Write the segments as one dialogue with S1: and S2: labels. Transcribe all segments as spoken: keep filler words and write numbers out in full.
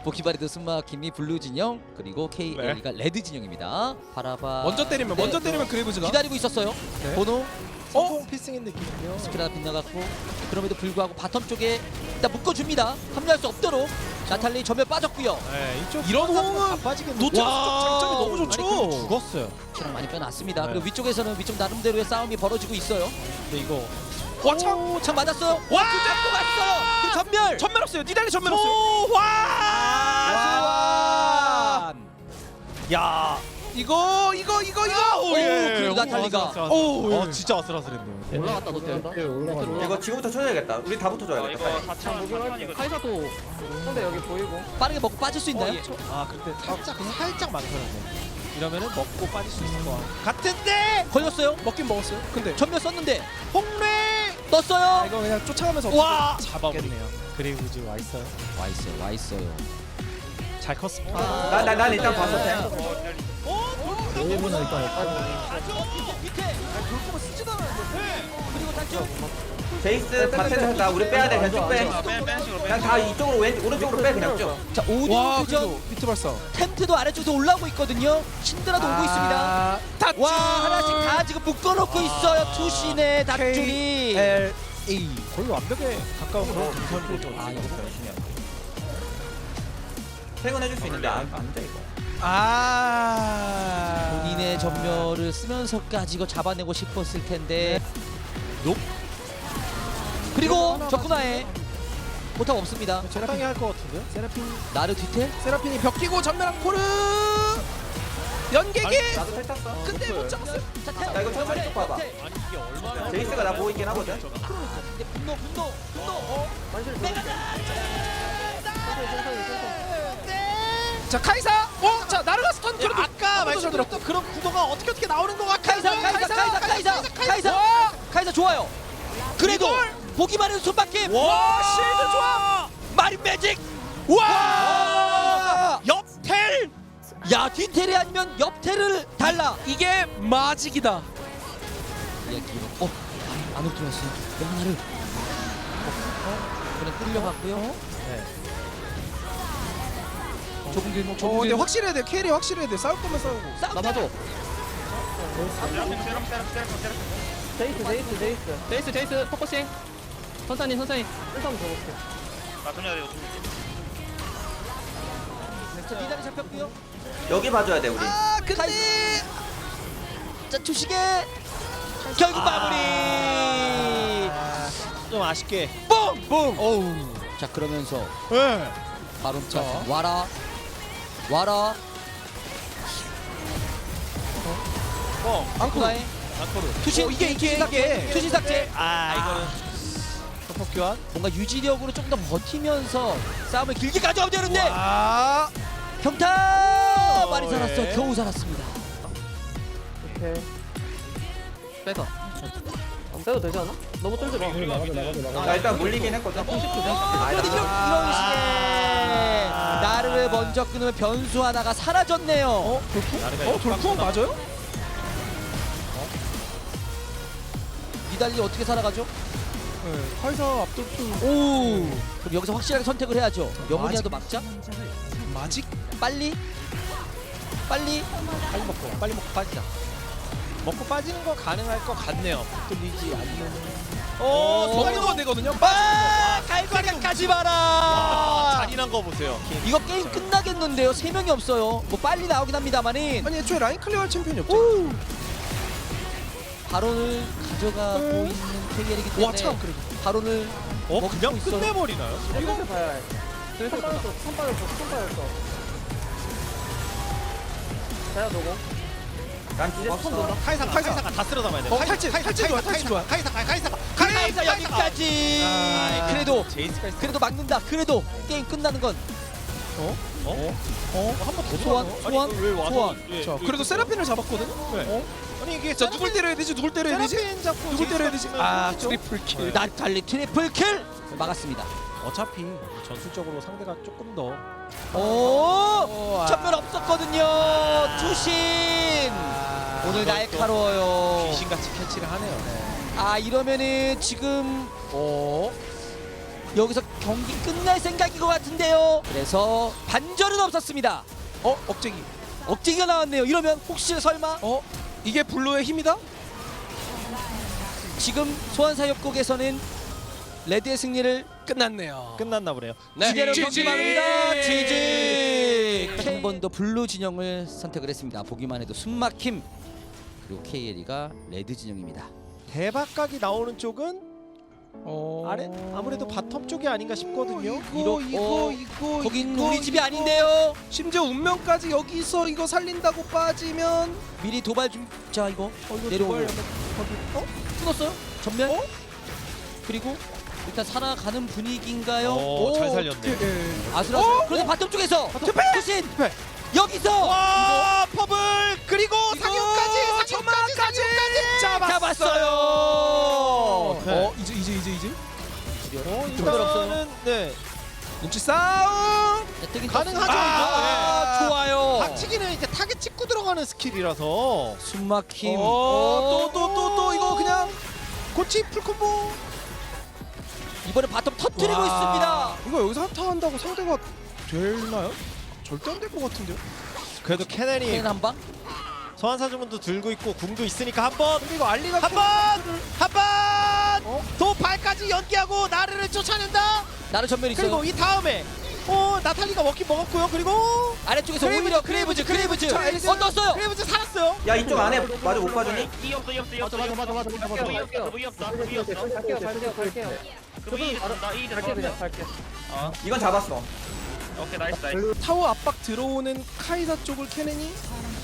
S1: 보키바리드 숨막힘이 블루 진영 그리고 케이엘이가 레드 진영입니다. 바라봐.
S2: 먼저 때리면
S1: 네,
S2: 먼저 때리면 그레이브즈가
S1: 기다리고 있었어요.
S2: 네.
S1: 번호
S2: 성공 피싱인 느낌이요.
S1: 스피드가 빗나갔고 그럼에도 불구하고 바텀 쪽에 일단 묶어줍니다. 합류할 수 없도록 나탈리 전면 빠졌고요.
S2: 네, 이쪽 이런 호응은
S3: 빠지겠네.
S2: 노트북
S1: 와.
S2: 장점이 너무 좋죠.
S3: 아니, 근데 죽었어요.
S1: 키랑 많이 빼놨습니다.
S2: 네.
S1: 그리고 위쪽에서는 위쪽 나름대로의 싸움이 벌어지고 있어요.
S2: 근데 이거 와 참.
S1: 오, 참 맞았어요.
S2: 와!
S1: 두 잡고 갔어요. 그 전멸.
S2: 전멸 없어요. 니달리 전멸 없어요.
S1: 와!
S2: 와! 야, 이거 이거 이거 이거.
S1: 오, 그리고 나탈리가.
S2: 오,
S3: 어 진짜 아슬아슬했네요.
S4: 올라갔다 노트 온다.
S3: 네, 올라갔다.
S5: 이거 지금부터 쳐줘야겠다. 우리 다
S6: 어,
S5: 붙어줘야겠다.
S6: 이거 사천 사천이거든.
S4: 카이사도 상대 여기 보이고.
S1: 빠르게 먹고 빠질 수 있나요?
S2: 아, 근데 살짝 그냥 살짝 많더라고요. 이러면은 먹고 빠질 수 있을 것 같은데
S1: 걸렸어요.
S2: 먹긴 먹었어요. 근데
S1: 전멸 썼는데
S2: 홍래 아,
S1: 떴어요.
S2: 이거 그냥 쫓아가면서
S1: 와!
S2: 잡아버리네요.
S3: 그레이브즈 와 있어요.
S1: 와 있어요. 와 있어요.
S2: 잘 컸습니다.
S5: 난, 난, 난 일단 봤어. 템.
S3: 일본은 일단
S1: 밑에. 그리고 탈출.
S5: 제이스 바텐 한다. 우리 빼야 돼. 그냥 쭉 빼.
S6: 뺀 뺀식으로
S5: 그냥
S6: 뺀.
S5: 다 이쪽으로 왼 오른쪽으로 빼 그냥 쭉.
S1: 자 오디오
S2: 와,
S1: 교전.
S2: 그래도 비트 발사.
S1: 텐트도 아래쪽에서 올라오고 있거든요. 신드라도 오고 있습니다.
S2: 타치.
S1: 와 하나씩 다 지금 묶어놓고 있어요. 투신의 닷줄이.
S2: L A 거의 완벽에 가까운 그런 동선이죠.
S5: 아 이거 열심히 해. 퇴근해줄 수 있는데 안, 안 돼, 이거.
S2: 아.
S1: 본인의 전멸을 쓰면서까지 이거 잡아내고 싶었을 텐데.
S2: 높.
S1: 그리고 적군화에 포탑 없습니다.
S2: 적당히 할 것 같은데요? 세라핀
S1: 나르 뒤태.
S2: 세라핀이 벽 끼고 전면한 코르 연계기.
S5: 나도 텔 탔어.
S2: 근데 못 잡았어요.
S1: 자,
S5: 야, 이거 천천히 쭉 봐봐. 제이스가 나 보고 있긴 하거든.
S1: 아, 근데 분노 분노 분노. 어?
S2: 자 카이사. 어, 자 나르가 스턴. 그래도 아까 말씀드렸던 그런 구도가 어떻게 어떻게 나오는 것 같아요.
S1: 카이사 카이사 카이사 카이사 카이사 카이사 좋아요. 그래도 보기만 해도 손바뀜.
S2: 와 실드 좋아.
S1: 마린 매직.
S2: 와 옆텔.
S1: 야 뒤텔이 아니면 옆텔을 달라.
S2: 이게 마직이다.
S1: 이야기. 어 안으로 들어왔어요. 영나르. 어? 그냥 끌려갔고요.
S2: 네.
S1: 좁은 길목
S2: 어
S1: 좁은
S2: 근데
S1: 길목.
S2: 확실해야 돼. 캐리 확실해야 돼. 싸울 거면 싸우고.
S1: 싸움.
S4: 나 봐줘.
S6: 세라핀 세라핀 세라핀 세라핀 세라핀.
S4: 제이스 제이스 제이스. 제이스 제이스 포커싱. 천천히 천천히. 일단 줘볼게.
S6: 나 손이야 이거.
S1: 자 미달이 잡혔고요.
S5: 여기 봐줘야 돼, 우리.
S2: 아 근데
S1: 자 주시게 결국 마무리.
S2: 좀 아쉽게.
S1: 뽕.
S2: 뽕. 어우.
S1: 자 그러면서
S2: 네.
S1: 바론차
S2: 자.
S1: 와라 와라
S2: 어.
S1: 안쿠나의
S2: 안코르.
S1: 투신
S2: 어, 이게 이게 이게.
S1: 투신 삭제.
S2: 아 이거는 서포 교환.
S1: 뭔가 유지력으로 좀 더 버티면서 싸움을 길게 가져오면 되는데
S2: 아.
S1: 경타 많이
S2: 어,
S1: 살았어.
S2: 예.
S1: 겨우 살았습니다.
S4: 오케이. 뺏어. 안 빼도 되지 않아? 너무 쫄지 마.
S5: 나 일단 물리긴 했거든.
S1: 이거든요.
S5: 아니다.
S1: 이런 식의 나를 먼저 끊으면 변수 하나가 사라졌네요.
S2: 어 돌풍? 어 돌풍 맞아요?
S1: 니달리 어떻게 살아가죠?
S2: 네. 카이사 앞돌풍.
S1: 오. 그럼 여기서 확실하게 선택을 해야죠. 영혼이라도 막자.
S2: 마직.
S1: 빨리. 빨리.
S2: 빨리 먹고 빨리 먹고 빠지자. 먹고 빠지는 거 가능할 것 같네요. 뚫리지 않는. 어,
S1: 오.
S2: 손가락도 안 되거든요.
S1: 아, 갈과리까지
S2: 와,
S1: 봐라.
S2: 잔인한 거 보세요.
S1: 이거 게임 끝나겠는데요. 세 명이 없어요. 뭐 빨리 나오긴 합니다만은
S2: 아니 애초에 라인 클리어할 챔피언이 없죠.
S1: 바론을 가져가고
S2: 음.
S1: 있는 케이엘이기 때문에
S2: 와 참 그래도.
S1: 바론을
S2: 어
S1: 먹고
S2: 그냥
S1: 있어요.
S2: 끝내버리나요?
S4: 이거 봐야 해. 손 빠졌어. 손 빠졌어. 손 빠졌어. 자야 너고.
S5: 난 기대
S4: 와, 손 놓는다.
S2: 카이사 카이사가 다 쓸어 담아야 돼. 어, 탈진 탈진 좋아 탈진 좋아. 카이사 카이사
S1: 카이사 여기까지.
S2: 아,
S1: 그래도
S2: 제이스가 있어.
S1: 그래도 막는다. 그래도 게임 끝나는 건
S2: 어? 어? 어? 한 번 더
S1: 소환 소환 소환.
S2: 자, 그래도 세라핀을 잡았거든요. 어? 아니 이게 자 누굴 때려야 되지? 누굴 때려야 되지? 세라핀 잡고 누굴 때려야 되지? 아, 트리플 킬.
S1: 나탈리 트리플 킬 막았습니다.
S2: 어차피 전술적으로 상대가 조금 더
S1: 오, 전멸 없었거든요. 투신.
S2: 아,
S1: 오늘 날카로워요.
S2: 귀신같이 캐치를 하네요.
S1: 아 이러면은 지금
S2: 어?
S1: 여기서 경기 끝날 생각인 것 같은데요. 그래서 반전은 없었습니다.
S2: 어 억제기.
S1: 억지기가 나왔네요. 이러면 혹시 설마
S2: 어 이게 블루의 힘이다?
S1: 지금 소환사협곡에서는 레드의 승리를
S2: 끝났네요.
S3: 끝났나 보네요.
S1: 이대로
S2: 지지!
S1: 경기 마무리다. 지지. 한 번 더 블루 진영을 선택을 했습니다. 보기만 해도 숨막힘. 그리고 케이엘이가 레드 진영입니다.
S3: 대박각이 나오는 쪽은
S2: 어...
S3: 아래 아무래도 바텀 쪽이 아닌가 싶거든요.
S2: 이거
S1: 이러-
S2: 이거
S1: 어,
S2: 이거
S1: 거긴
S2: 이거,
S1: 우리 집이
S2: 이거.
S1: 아닌데요.
S2: 심지어 운명까지 여기서 이거 살린다고 빠지면
S1: 미리 도발 좀. 자 이거
S2: 어, 이거
S1: 내려오고.
S2: 도발 약간- 어?
S1: 끊었어요? 전면?
S2: 어?
S1: 그리고 일단 살아가는 분위기인가요?
S3: 오, 잘 살렸네.
S2: 예.
S1: 아슬아슬.
S2: 어?
S1: 그런데 바텀 쪽에서 투신
S2: 네.
S1: 여기서
S2: 와 퍼블 그리고 상륙까지 점화까지 잡았어요.
S3: 네.
S2: 어 이제 이제 이제 이제
S3: 어,
S1: 도발 없어요.
S3: 이거는 네.
S2: 눈치 싸움.
S1: 자, 뜨긴
S3: 가능하죠,
S1: 떴습니다.
S2: 아,
S1: 아, 좋아요.
S3: 박치기는 이제 타겟 찍고 들어가는 스킬이라서
S1: 숨막힘.
S2: 어또 또 또 또 이거 그냥 고치 풀콤보.
S1: 이번에 바텀 터뜨리고
S2: 와,
S1: 있습니다.
S2: 이거 여기서 한타 한다고 상대가 되나요? 절대 안 될 것 같은데요.
S3: 그래도 캐넨이
S1: 케인 한 방.
S3: 소환사주문도 들고 있고 궁도 있으니까 한번
S2: 근데 이거 알리가
S3: 한번한번 도발까지 연기하고 나르를 쫓아낸다.
S1: 나를 전면 있어요.
S3: 그리고 이 다음에 어 나탈리가 먹긴 먹었고요. 그리고
S1: 아래쪽에서
S3: 크레이브즈,
S1: 오히려 크레이브즈 크레이브즈.
S3: 크레이브즈.
S1: 어 떴어요.
S3: 크레이브즈 살았어요.
S5: 야 이쪽 안에 마저 못 봐주니?
S6: 이 없어 이 없어 이 없어
S4: 맞아, 맞아, 맞아, 맞아, 맞아,
S6: 이 없어 이 없어 이 없어
S4: 갈게요 갈게요 갈게요.
S6: 그럼 이 된다 이
S4: 갈게
S6: 된다
S4: 그냥 갈게.
S5: 이건 잡았어.
S6: 오케이 나이스 나이스
S2: 타워 압박 들어오는 카이사 쪽을 캐넨이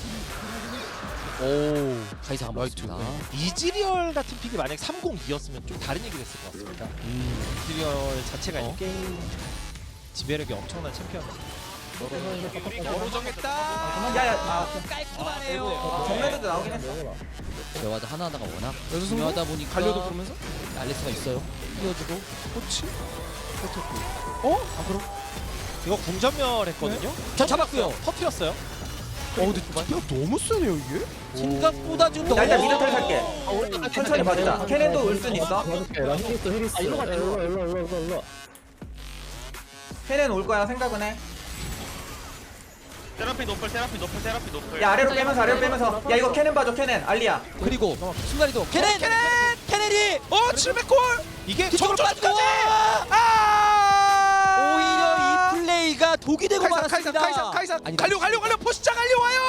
S1: 오 카이사 한번 맞습니다.
S3: 이즈리얼 같은 픽이 만약 삼공이였으면 좀 다른 얘기를 했을 것 같습니다. 이즈리얼 자체가
S2: 어?
S3: 게임 지배력이 엄청난 챔피언입니다.
S2: 너로 정했다.
S5: 야야 아,
S1: 깔끔하네요.
S5: 정면에도 나오긴 했어.
S1: 대화도 하나하나가 워낙
S2: 여기서
S1: 중요하다 보니까
S2: 갈려도 보면서
S1: 알리스가 있어요. 띄워주고
S2: 코치.
S3: 어? 아 그럼 이거 궁전멸했거든요.
S1: 저 잡았고요.
S3: 터트렸어요.
S2: 어 근데 야 너무 세네요 이게.
S1: 생각보다 좀
S5: 나 일단
S1: 너무-
S5: 미드 털 살게. 천천히 봐주자. 캐넨도 올 순 있어.
S4: 일로 가 일로 일로 일로 일로.
S5: 캐넨 올 거야 생각은 해.
S6: 세라피 노플 세라피 노플 세라피 노플
S5: 야 아래로 빼면서 아래로 빼면서. 야 이거 캐넨 봐줘 캐넨 알리야.
S1: 그리고 순간이도 케넨 케넨 케넨이
S2: 어 칠백 골.
S3: 이게
S1: 뒤쪽으로 빠지고
S2: 아!
S1: 오히려 이 플레이가 독이 되고
S2: 카이사 카이사
S1: 말았습니다.
S2: 카이사 카이사.
S1: 아니,
S2: 갈려 갈려 갈려 포시자 갈려 와요.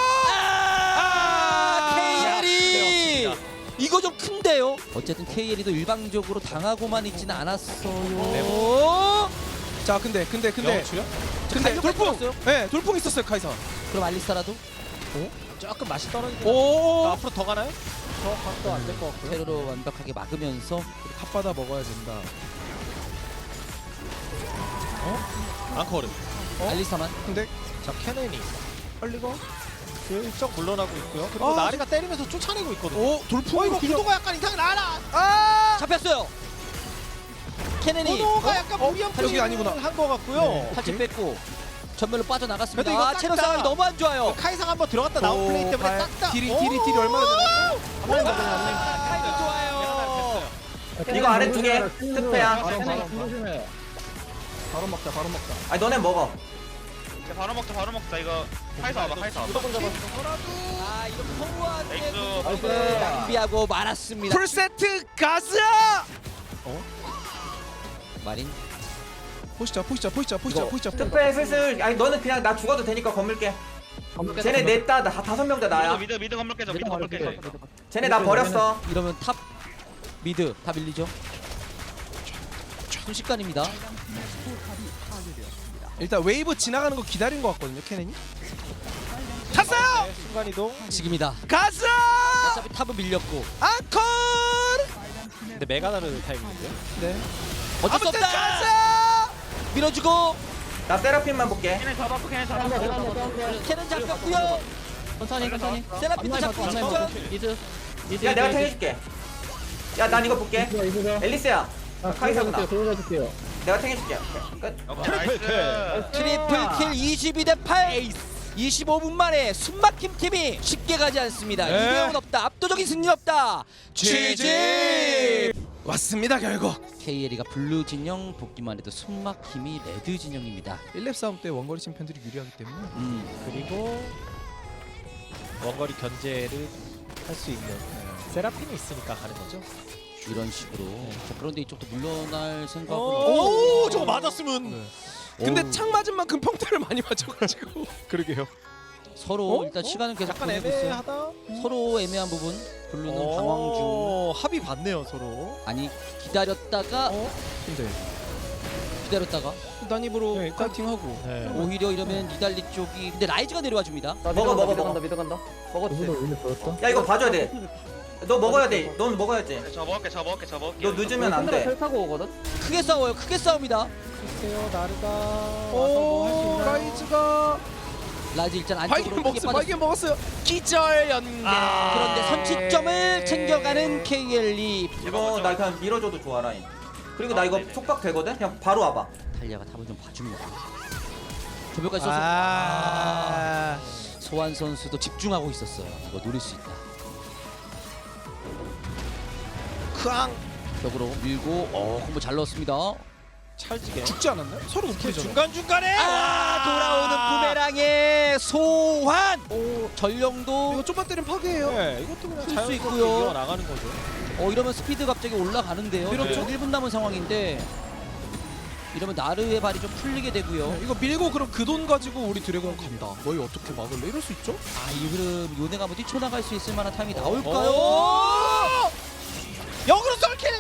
S1: 아,
S2: 아,
S1: 케이엘이 이거 좀 큰데요. 어쨌든 케이엘이도 일방적으로 당하고만 있지는 않았어요.
S2: 자 근데 근데 근데
S3: 영어 출연?
S2: 근데
S1: 갈려
S2: 돌풍.
S1: 갈렸어요?
S2: 네 돌풍 있었어요 카이사.
S1: 그럼 알리스타라도
S3: 조금 맛이 떨어지고
S2: 오.
S3: 앞으로 더 가나요?
S4: 저 각도 안 될 것 같고요.
S1: 테러로 완벽하게 막으면서
S2: 핫바다 먹어야 된다.
S3: 앙코르.
S1: 알리스타만
S2: 근데
S3: 자 캐넨이
S2: 빨리가.
S3: 슬쩍 물러나고 있고요. 그리고
S2: 아,
S3: 나리가 때리면서 쫓아내고 있거든요.
S2: 오 돌풍.
S3: 어 이거
S2: 그냥-
S3: 구도가 약간 이상해. 나라.
S2: 아.
S1: 잡혔어요. 케넨이
S3: 구도가 약간
S2: 어?
S3: 무리한
S2: 여기 아니구나.
S3: 한것 같고요.
S2: 네.
S1: 팔찌 뺐고 전멸로 빠져나갔습니다.
S3: 그래도 이거
S1: 아, 체력
S3: 싹 다-
S1: 상황이 너무 안 좋아요.
S3: 카이상 한번 들어갔다 나온
S2: 오,
S3: 플레이 때문에
S2: 발-
S3: 딱딱.
S2: 딜이 딜이 딜이 얼마나 되나?
S1: 타이밍 좋아요.
S5: 이거 아래 두 개. 특패야.
S4: 바로 먹자 바로 먹자.
S5: 아니 너네 먹어.
S6: 바로 먹자 바로 먹자 이거 카이사 와봐 카이사 와봐
S1: 아, 이거 허무하게
S6: 나이스
S1: 낭비하고 말았습니다.
S2: 풀세트 가자.
S1: 마린
S2: 보시자 보시자 보시자 보시자
S1: 이거
S2: 보시자.
S5: 특패 슬슬. 아니 너는 그냥 나 죽어도 되니까 건물게. 쟤네 넷다 나 다섯 명 다 나야.
S6: 미드 미드 건물 깨져 미드 건물 깨져
S5: 쟤네 나 버렸어.
S1: 이러면 탑 미드 다 밀리죠. 순식간입니다.
S2: 일단 웨이브 지나가는 거 기다린 것 같거든요 캐넨이. 탔어요.
S3: 네, 순간 이동.
S1: 지금이다.
S2: 가자.
S1: 어차피 탑은 밀렸고
S2: 앙콜.
S3: 근데 메가나르 타임인데요.
S2: 네.
S1: 어쩔 수
S2: 아무튼
S1: 없다.
S2: 가자.
S1: 밀어주고
S5: 나 세라핀만 볼게.
S6: 걔네 잡았고 걔네 잡았고
S1: 캐는 잡혔고요.
S4: 천천히 천천히.
S1: 세라핀도 잡고 직전.
S4: 이즈. 이즈.
S5: 야 내가 탱해줄게. 야 난 이거 볼게. 앨리스야. 카이사구나.
S4: 도와줄게요.
S5: 내가 탱해줄게. 끝.
S6: 오케이 나이스
S1: 트리플 킬 이십이 대 팔. 이십오 분 만에 숨막힘 팀이 쉽게 가지 않습니다.
S2: 네.
S1: 이대용은 없다. 압도적인 승리 없다. 지지.
S2: 왔습니다 결국.
S1: 케이엘이가 블루 진영, 복귀만 해도 숨막힘이 레드 진영입니다.
S2: 일 렙 싸움 때 원거리 챔피언들이 유리하기 때문에
S1: 음.
S3: 그리고 원거리 견제를 할 수 있는 세라핀이 있으니까 가는 거죠.
S1: 이런 식으로. 자, 그런데 이쪽도 물러날 생각은
S3: 오,
S1: 없-
S3: 저거 맞았으면.
S2: 네. 근데
S1: 어우.
S2: 창 맞은 만큼 평타를 많이 맞춰가지고
S3: 그러게요.
S1: 서로
S2: 어?
S1: 일단
S2: 어?
S1: 시간은 계속
S3: 약간
S1: 보내고 있어요.
S3: 애매하다.
S1: 서로 애매한 부분. 블루는 방황 중.
S3: 오, 합의 봤네요 서로.
S1: 아니 기다렸다가
S2: 어? 근데
S1: 기다렸다가
S2: 단입으로
S3: 네, 일단-
S2: 카팅하고
S3: 네.
S1: 오히려 이러면 니달리 쪽이 근데 라이즈가 내려와 줍니다.
S4: 나
S5: 먹어,
S4: 미드
S5: 먹어,
S4: 간다 미드 간다
S5: 먹어.
S4: 미드 간다. 먹었지?
S5: 야 이거 봐줘야 돼너 먹어야 돼넌 먹어야지
S6: 저 먹을게 저 먹을게 저 먹을게
S5: 너 늦으면
S4: 샌드라
S5: 안돼
S4: 텔 타고 오거든?
S1: 크게 싸워요. 크게 싸웁니다.
S3: 글쎄요 나르가
S2: 오 라이즈가
S1: 라이즈 일단
S2: 발견
S1: 안쪽으로 크게
S2: 먹었어
S1: 빠졌어.
S2: 발견 먹었어요. 기절 연계.
S3: 아,
S1: 그런데 선취점을 챙겨가는 케이엘이.
S5: 이거 나 그냥 밀어줘도 좋아 라인 그리고 나
S6: 아,
S5: 이거
S6: 네네.
S5: 속박 되거든? 그냥 바로 와봐
S1: 달리아가 탑을 좀 봐줍니다. 조별까지 써서
S2: 아.
S1: 소환 선수도 집중하고 있었어요. 이거 노릴 수 있다.
S2: 크앙
S1: 벽으로 밀고 어 콤보 잘 넣었습니다.
S3: 찰지게.
S2: 죽지 않았나요? 서로 높이잖아.
S3: 중간 중간에
S1: 아 돌아오는 부메랑의 소환. 오 전령도
S2: 이거 좀만 때리면 파괴해요.
S3: 네, 이것도 그냥
S1: 쓸수
S3: 자연스럽게
S1: 있고요.
S3: 이어 나가는 거죠.
S1: 어 이러면 스피드 갑자기 올라가는데요.
S2: 밀었죠?
S1: 일 분 남은 상황인데 이러면 나르의 발이 좀 풀리게 되고요.
S2: 네, 이거 밀고 그럼 그 돈 가지고 우리 드래곤 간다. 너희 어떻게 막을래? 이럴 수 있죠?
S1: 아 이 흐름 요네가 뭐 뛰쳐나갈 수 있을 만한 타임이 나올까요?
S3: 오! 역으로 썰킬.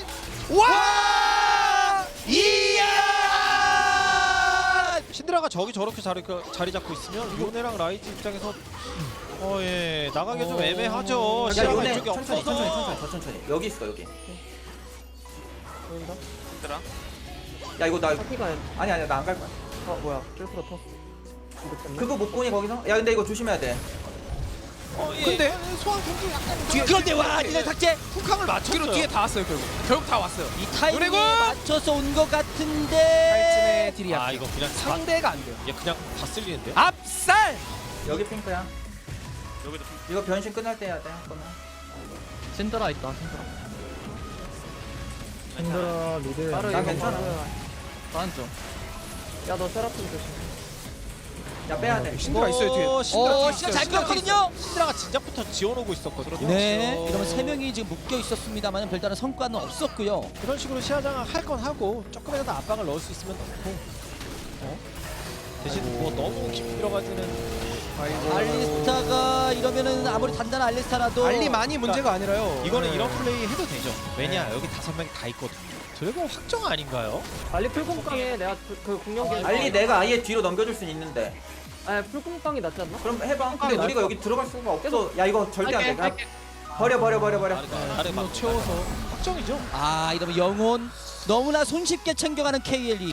S2: 와!
S1: 이야!
S3: 신드라가 저기 저렇게 자리, 그, 자리 잡고 있으면 요네랑 라이즈 입장에서 어예 나가기 좀
S1: 어.
S3: 애매하죠.
S5: 야
S3: 시야가
S5: 요네
S3: 이쪽에
S5: 천천히
S3: 없어서.
S5: 천천히 천천히 더 천천히 여기 있어 여기
S4: 보인다?
S6: 얘들아
S5: 야 이거 나
S4: 파티가
S5: 아니 아니 나 안 갈 거야
S4: 어 뭐야 찔프로 터 이거 때문에?
S5: 그거 못 보니 거기서? 야 근데 이거 조심해야 돼
S3: 어, 예.
S2: 근데 소환 공주 약간 뒤에
S1: 그런데 와 니네 삭제.
S3: 훅항을 맞췄어요.
S2: 뒤로 뒤에 다 왔어요 결국. 결국 다 왔어요.
S1: 이 타이밍에
S2: 그리고
S1: 맞춰서 온 것 같은데.
S2: 탈진의 딜이
S3: 아
S2: 약해.
S3: 이거 그냥
S2: 상대가 안 돼요.
S3: 얘 그냥 다 쓸리는데.
S2: 압살!
S5: 여기 핑크야
S6: 여기도
S5: 이거 변신 끝날 때 해야 돼 한번은
S4: 신드라 있다 신드라
S6: 괜찮아
S4: 미드 바로
S5: 난
S4: 이거
S5: 괜찮아.
S4: 바로 딴쪽 야너 세라핀 조심
S5: 야 빼야 돼
S2: 신드라 있어요 뒤에. 신드라
S1: 어
S2: 뒤에
S1: 시간
S2: 있어요.
S1: 잘
S2: 신드라 뒤에
S1: 끌었거든요.
S3: 신드라가 진작부터 지어놓고 있었거든요.
S1: 네.
S3: 그렇죠.
S1: 이러면 세 명이 지금 묶여 있었습니다만 별다른 성과는 없었고요.
S3: 그런 식으로 시야장을 할 건 하고 조금이라도 압박을 넣을 수 있으면 넣고. 어? 대신 뭐 너무 깊이 들어가지는.
S2: 아이고.
S1: 알리스타가 이러면은 아무리 단단한 알리스타라도
S2: 알리 많이 문제가 아니라요.
S3: 이거는
S2: 네.
S3: 이런 플레이 해도 되죠. 왜냐 여기 다섯 명이 다 있거든요. 드래곤 확정 아닌가요?
S4: 알리 풀공깡에 내가 그, 그 궁력이
S5: 알리 내가 아예 뒤로 넘겨줄 순 있는데
S4: 아 풀공깡이 낫지 않나?
S5: 그럼 해봐 근데
S4: 아,
S5: 우리가
S4: 나-
S5: 여기 들어갈 수가 없어 야 이거 절대
S4: 할게,
S5: 안돼
S4: 할게.
S5: 버려 버려 버려 버려
S3: 나르가 나르 막 채워서 확정이죠.
S1: 아 이러면 영혼 너무나 손쉽게 챙겨가는 케이엘이.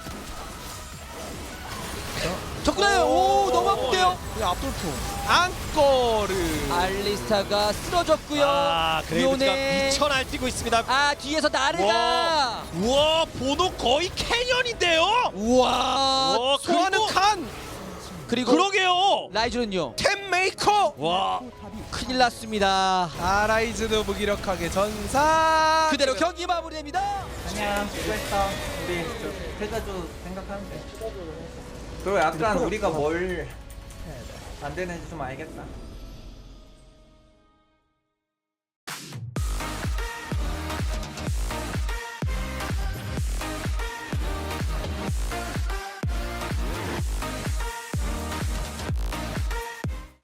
S1: 적구나요. 오 너무 아픈데요.
S2: 그냥 앞돌풍. 안거르.
S1: 알리스타가 쓰러졌고요.
S3: 아 그레이브즈가
S1: 요네.
S3: 미쳐 날뛰고 있습니다.
S1: 아 뒤에서 나르가.
S3: 우와 보노 거의 캐년인데요.
S1: 우와.
S3: 와
S2: 소환은
S3: 그리고
S2: 칸.
S1: 그리고
S3: 그러게요.
S1: 라이즈는요.
S2: 템 메이커.
S3: 와
S1: 큰일 났습니다.
S2: 아라이즈도 무기력하게 전사.
S1: 그대로 경기 마무리됩니다.
S5: 그냥 수고했어 우리 저 패자주 생각하면 돼 그리고 약간 우리가 뭘 안 되는지 좀 알겠다